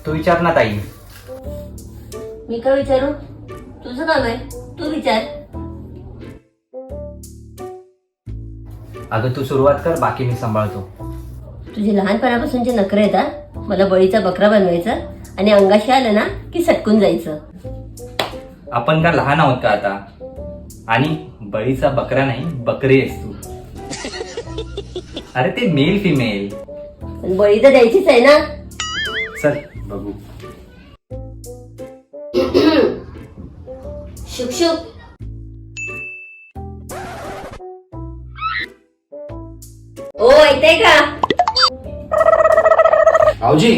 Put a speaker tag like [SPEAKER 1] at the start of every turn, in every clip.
[SPEAKER 1] तू विचार ना ताई.
[SPEAKER 2] मी का विचारू? तुझं काम आहे, तू विचार.
[SPEAKER 1] अगं तू सुरुवात कर, बाकी मी सांभाळतो.
[SPEAKER 2] तुझे लहानपणापासूनचे नखरे आहेत हा. मला बळीचा बकरा बनवायचा आणि अंगाशी आलं ना की सटकून जायचं.
[SPEAKER 1] आपण का लहान आहोत का आता? आणि बळीचा बकरा नाही, बकरी आहेस तू. अरे ते मेल फिमेल.
[SPEAKER 2] पण बळी तर द्यायचीच आहे ना.
[SPEAKER 1] चल बघू.
[SPEAKER 2] शुक शुक. ओ ऐकताय का?
[SPEAKER 1] भाऊजी.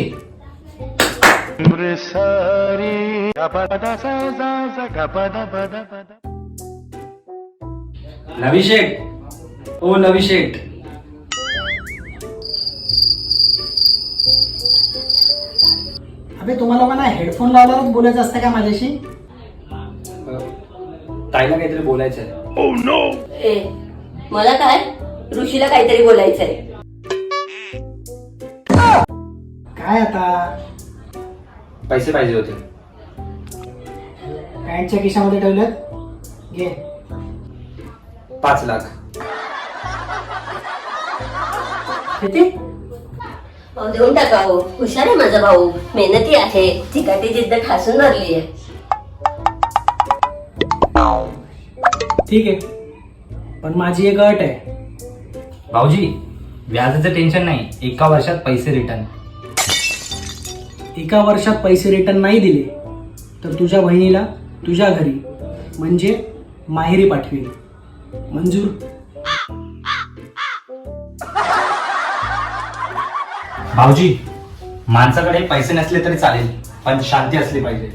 [SPEAKER 1] नवी शेठ. ओ नवी शेठ.
[SPEAKER 3] अबे तुम्हाला मला हेडफोन लावल्यावरच बोलायचं असतं का माझ्याशी?
[SPEAKER 1] ताईला काहीतरी बोलायचंय.
[SPEAKER 2] ए, मला काय? ऋषीला काहीतरी बोलायचंय.
[SPEAKER 3] काय आता?
[SPEAKER 1] पैसे पाहिजे होते.
[SPEAKER 3] पॅन्टच्या खिशामध्ये ठेवलेत, घे.
[SPEAKER 1] 5 लाख.
[SPEAKER 3] किती?
[SPEAKER 2] देऊन टाका हो. हुशार आहे माझा भाऊ, मेहनती आहे, चिकाटी जिद्द ठासून धरली आहे.
[SPEAKER 3] ठीक आहे, पण माझी एक अट आहे.
[SPEAKER 1] भाऊजी व्याजाचं टेन्शन नाही, 1 वर्षात पैसे रिटर्न.
[SPEAKER 3] 1 वर्षात पैसे रिटर्न नाही दिले तर तुझ्या बहिणीला तुझ्या घरी म्हणजे माहेरी पाठवील. मंजूर?
[SPEAKER 1] भाऊजी माणसाकडे पैसे नसले तरी चालेल, पण शांती असली पाहिजे.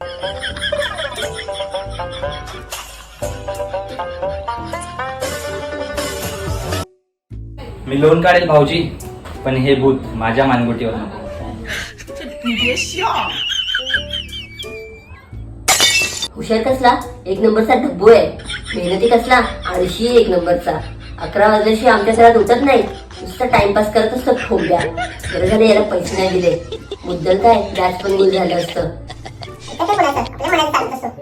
[SPEAKER 1] मी लोन काढेल भाऊजी, पण हे भूत माझ्या मानगुटीवर नको.
[SPEAKER 2] हुशार कसला? 1 नंबरचा ढब्बू आहे. मेहनती कसला? आळशी 1 नंबरचा. 11 वाजल्याशी आमच्या घरात उठत नाही, नुसतं टाइमपास करत असतो ठोक्या. बरं झालं याला पैसे नाही दिले, मुद्दल काय व्याज पण गुल झालं असतं.